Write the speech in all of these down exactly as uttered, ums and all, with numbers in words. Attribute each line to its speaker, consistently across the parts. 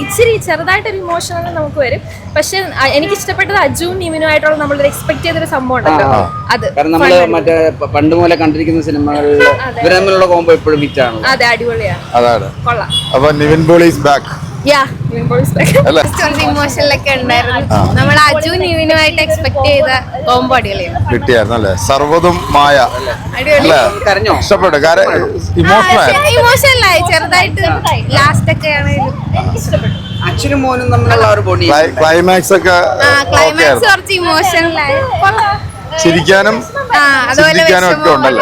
Speaker 1: ഇച്ചിരി ചെറുതായിട്ടൊരു ഇമോഷണൽ നമുക്ക് വരും. പക്ഷെ എനിക്ക് ഇഷ്ടപ്പെട്ടത് അജുവും നിവിനും ആയിട്ടുള്ള നമ്മൾ എക്സ്പെക്ട് ചെയ്തൊരു സംഭവം ഉണ്ടല്ലോ അത്.
Speaker 2: കാരണം നമ്മള് മറ്റേ പണ്ട് മുതലേ കണ്ടിരിക്കുന്ന സിനിമകളിൽ ഇവര് തമ്മിലുള്ള കോംബോ എപ്പോഴും ഹിറ്റ് ആണ്.
Speaker 1: അതെ, അടിപൊളിയാണ്.
Speaker 3: അതാണ്.
Speaker 1: കൊള്ളാം.
Speaker 3: അപ്പൊ നിവിൻ പോളി ഈസ് ബാക്ക്.
Speaker 1: ഇമോഷനിലൊക്കെ ഉണ്ടായിരുന്നു. നമ്മൾ അജു നിവിനുമായിട്ട് എക്സ്പെക്ട് ചെയ്ത കോംബോ അടിപൊളിയാണ്.
Speaker 3: കിട്ടിയായിരുന്നു അല്ലേ? സർവ്വതും മായ
Speaker 2: കരഞ്ഞോ?
Speaker 3: ഇഷ്ടപ്പെട്ടു.
Speaker 1: ഇമോഷണലായി ചെറുതായിട്ട് ലാസ്റ്റ് ഒക്കെ ആണെങ്കിലും
Speaker 2: അച്ഛനും മോനും തമ്മിലുള്ള ഒരു ബോഡി
Speaker 3: ക്ലൈമാക്സ് ഒക്കെ
Speaker 1: ക്ലൈമാക്സ് കുറച്ച് ഇമോഷണലായി.
Speaker 3: ചിരിക്കാനും ചിരിക്കാനും ഒക്കെ ഉണ്ടല്ലോ.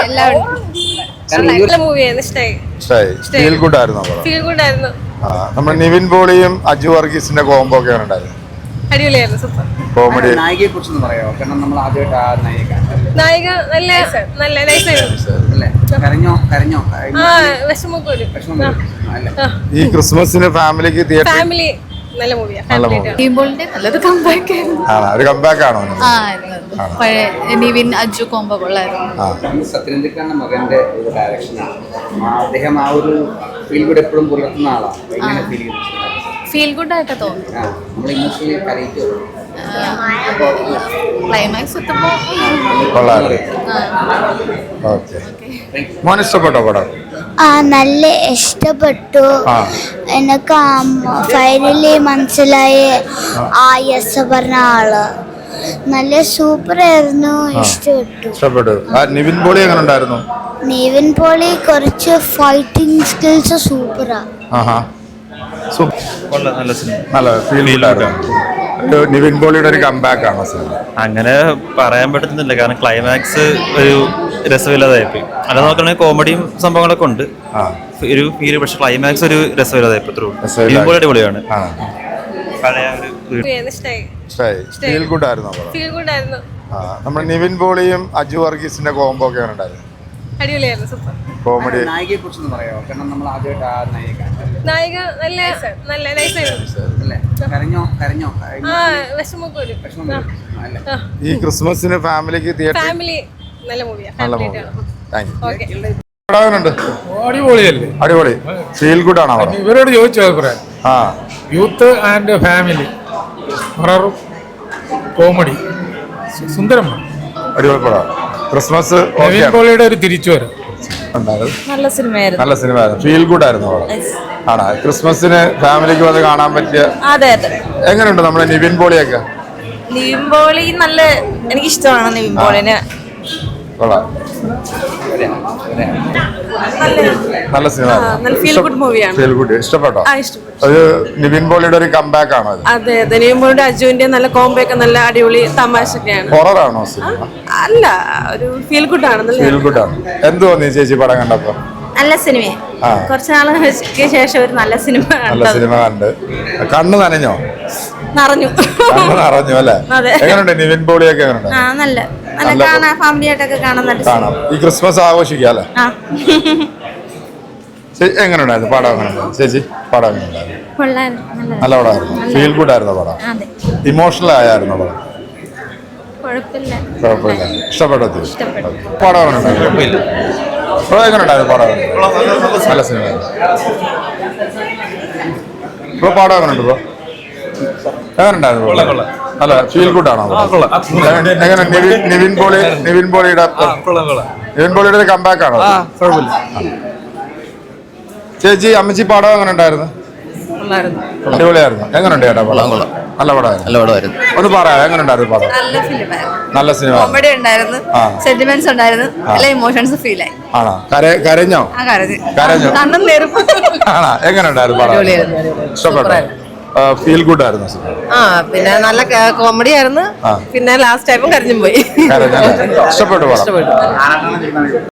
Speaker 3: ഫീൽ ഗുഡ് ആയിരുന്നു. നമ്മുടെ നിവിൻ പോളിയും അജു വർഗീസിന്റെ കോംബോ ഒക്കെ ഉണ്ടായിരുന്നു.
Speaker 1: അടിപൊളിയായിരുന്നു. Super
Speaker 3: comedy.
Speaker 2: നായികയെ കുറിച്ചൊന്ന് പറയാമോ? കാരണം നമ്മൾ ആദ്യമായിട്ട് ആ നായിക
Speaker 1: നായിക നല്ല നല്ല നൈസായിരുന്നു.
Speaker 2: കരഞ്ഞോ? കരഞ്ഞോ?
Speaker 1: വിഷമൊക്കെ വരും.
Speaker 3: ഈ ക്രിസ്മസിന് ഫാമിലിക്ക് തിയേറ്റർ
Speaker 1: ഫാമിലി നല്ല മൂവിയാണ്.
Speaker 4: നല്ലൊരു കംബാക്ക് ആയിരുന്നു.
Speaker 3: ഒരു കംബാക്ക് ആണോ?
Speaker 4: നിവിൻ അജു കോംബോ കൊള്ളായിരുന്നു.
Speaker 2: സത്യനന്ദിക്കാന്റെ മകന്റെ ഒരു ഡയറക്ഷനാണ്. അദ്ദേഹം ആ ഒരു ഫീൽ ഗുഡ് എപ്പോഴും പുലർത്തുന്ന ആളാണ്. എങ്ങനെ ഫീൽ ചെയ്യുന്നു?
Speaker 4: ഫീൽ ഗുഡ് ആയിട്ട് തോന്നി.
Speaker 2: നമ്മൾ ഇമോഷണലി കരയിച്ചു.
Speaker 4: ക്ലൈമാക്സ് എത്തുമ്പോ
Speaker 3: മോൻ ഇഷ്ടപ്പെട്ടോ പടം?
Speaker 5: ആ, നല്ല ഇഷ്ടപ്പെട്ടു. എനിക്ക് ഫൈനലി മനസ്സിലായി ആ യെസ് പറഞ്ഞ ആള് നല്ല സൂപ്പർ ആയിരുന്നു. ഇഷ്ടപ്പെട്ടു.
Speaker 3: ഇഷ്ടപ്പെട്ടു. നിവിൻ പോളി എങ്ങനെ ഉണ്ടായിരുന്നു?
Speaker 5: നിവിൻ പോളി കുറച്ച് ഫൈറ്റിംഗ് സ്കിൽസ് സൂപ്പറാ.
Speaker 3: നല്ല ഫീൽ നിവിൻ പോളിയുടെ ഒരു കംബാക്ക് ആണ് സിനിമ.
Speaker 6: അങ്ങനെ പറയാൻ പറ്റുന്നില്ല, കാരണം ക്ലൈമാക്സ് ഒരു രസമില്ലാതായിപ്പോയി. അല്ല നോക്കണമെങ്കിൽ കോമഡിയും സംഭവങ്ങളൊക്കെ ഉണ്ട് ഒരു ഫീല്, പക്ഷെ ക്ലൈമാക്സ് ഒരു രസമില്ലാതായിപ്പോ. നിവിൻ പോളി അടിപൊളിയാണ്. പഴയ
Speaker 3: ഫീൽ ഗുഡ് ആയിരുന്നു. നമ്മുടെ നിവിൻ പോളിയും അജു വർഗീസിന്റെ കോംബോ ഒക്കെ ഉണ്ടായിരുന്നു.
Speaker 1: അടിപൊളിയായിരുന്നു. Super
Speaker 3: comedy.
Speaker 2: നായികയെ കുറിച്ചൊന്ന് പറയാമോ? കാരണം നമ്മൾ ആദ്യമായിട്ട് ആ നായിക
Speaker 1: നായിക നല്ല നല്ല നൈസായിരുന്നു.
Speaker 2: കരഞ്ഞോ? കരഞ്ഞോ?
Speaker 1: വിഷമൊക്കെ വരും.
Speaker 3: ഈ ക്രിസ്മസിന് ഫാമിലിക്ക് തിയേറ്റർ
Speaker 1: ഫാമിലി നല്ല മൂവിയാണ്.
Speaker 3: നല്ല മൂവിയാണ്.
Speaker 7: അടിപൊളിയല്ലേ?
Speaker 3: അടിപൊളി. ഫീൽ ഗുഡ് ആണോ?
Speaker 7: ഇവരോട് ചോദിച്ചു അഭിപ്രായം.
Speaker 3: ആ,
Speaker 7: youth and family horror comedy സുന്ദരമാണ്.
Speaker 3: അടിപൊളി പടം. ക്രിസ്മസ്
Speaker 7: നിവിൻ പോളിയുടെ ഒരു തിരിച്ചുവരവ്
Speaker 4: നല്ല സിനിമയായിരുന്നു.
Speaker 3: നല്ല സിനിമയായിരുന്നു. ഫീൽ ഗുഡ് ആയിരുന്നു പടം. ആണോ? ക്രിസ്മസിന് ഫാമിലിക്ക് വന്ന് കാണാൻ പറ്റിയ.
Speaker 4: അതെ അതെ.
Speaker 3: എങ്ങനെയുണ്ട് നമ്മുടെ നിവിൻ പോളിയൊക്കെ?
Speaker 4: നിവിൻ പോളി നല്ല, എനിക്കിഷ്ടമാണ് നിവിൻ പോളിനെ.
Speaker 3: നല്ല സിനിമ.
Speaker 4: ഫീൽ ഗുഡ് മൂവിയാണ്.
Speaker 3: Feel good. ഇഷ്ടപ്പെട്ടോ? അത് നിവിൻ പോളിയുടെ ഒരു കംബാക്ക് ആണോ?
Speaker 4: അതെ അതെ. നിവിൻ പോളിയുടെ അജുവിന്റെ നല്ല കോംബോ ഒക്കെ നല്ല അടിപൊളി തമാശയൊക്കെയാണ്.
Speaker 3: ഹൊറർ ആണോ സിനിമ?
Speaker 4: അല്ല, ഒരു ഫീൽ ഗുഡ് ആണ്.
Speaker 3: ഫീൽ ഗുഡ് ആണ്. എന്ത് തോന്നി ചേച്ചി പടം കണ്ടപ്പോ?
Speaker 4: നല്ല സിനിമയെ കുറച്ച് നാൾക്ക് ശേഷം ഒരു നല്ല സിനിമ
Speaker 3: നല്ല സിനിമ കണ്ട് കണ്ണു നനഞ്ഞോ?
Speaker 4: നിറഞ്ഞു.
Speaker 3: കണ്ണു നിറഞ്ഞു അല്ലേ? എങ്ങനെയുണ്ട് നിവിൻ പോളിയൊക്കെ? എങ്ങനെയുണ്ട്?
Speaker 4: നല്ല നല്ല കാണാൻ, ഫാമിലി ആയിട്ടൊക്കെ കാണാൻ
Speaker 3: കാണാം. ഈ ക്രിസ്മസ് ആഘോഷിക്കാം അല്ലേ? എങ്ങനെയുണ്ടായിരുന്നു പടം? എങ്ങനെയുണ്ടായിരുന്നു ചേച്ചി പടം? എങ്ങനെയുണ്ടായിരുന്നു? നല്ല പടമായിരുന്നു. ഫീൽ ഗുഡ് ആയിരുന്നു പടം. ഇമോഷണൽ ആയിരുന്നു പടം. കുഴപ്പമില്ല. ഇഷ്ടപ്പെട്ടോ? പടം എങ്ങനെയുണ്ടായിരുന്നു? പടം എങ്ങനെയുണ്ടായിരുന്നു? പടം നല്ല സിനിമ. ഇപ്പൊ പടം എങ്ങനെയുണ്ട്? ഇപ്പൊ എങ്ങനെയുണ്ടായിരുന്നു? അല്ല, ഫീൽ ഗുഡ് ആണോ? എങ്ങനെ നിവിൻ പോളി നിവിൻ പോളിയുടെ നിവിൻ പോളിയുടെ ഒരു കംബാക്ക് ആണോ? ചേച്ചി അമ്മച്ചി പടം എങ്ങനെ ഉണ്ടായിരുന്നു? അടിപൊളിയായിരുന്നു. എങ്ങനെയുണ്ട് ചേട്ടാ പടം? നല്ല പടമായിരുന്നു. ഒന്ന് പറയാം, എങ്ങനെ ഉണ്ടായിരുന്നു പടം? നല്ല സിനിമ.
Speaker 4: കോമഡി ഉണ്ടായിരുന്നു, സെന്റിമെന്റ്സ് ഉണ്ടായിരുന്നു, എല്ലാ ഇമോഷൻസ് ഫീൽ ആയി.
Speaker 3: ആണോ? കരഞ്ഞോ? കരഞ്ഞോ? ആണോ? എങ്ങനെ ഉണ്ടായിരുന്നു പടം? ഇഷ്ടപ്പെട്ടോ? ഫീൽ ഗുഡ് ആയിരുന്നു.
Speaker 4: ആ, പിന്നെ നല്ല കോമഡി ആയിരുന്നു. പിന്നെ ലാസ്റ്റ് ആയപ്പോ കരഞ്ഞും പോയി.
Speaker 3: ഇഷ്ടപ്പെട്ടു പടം?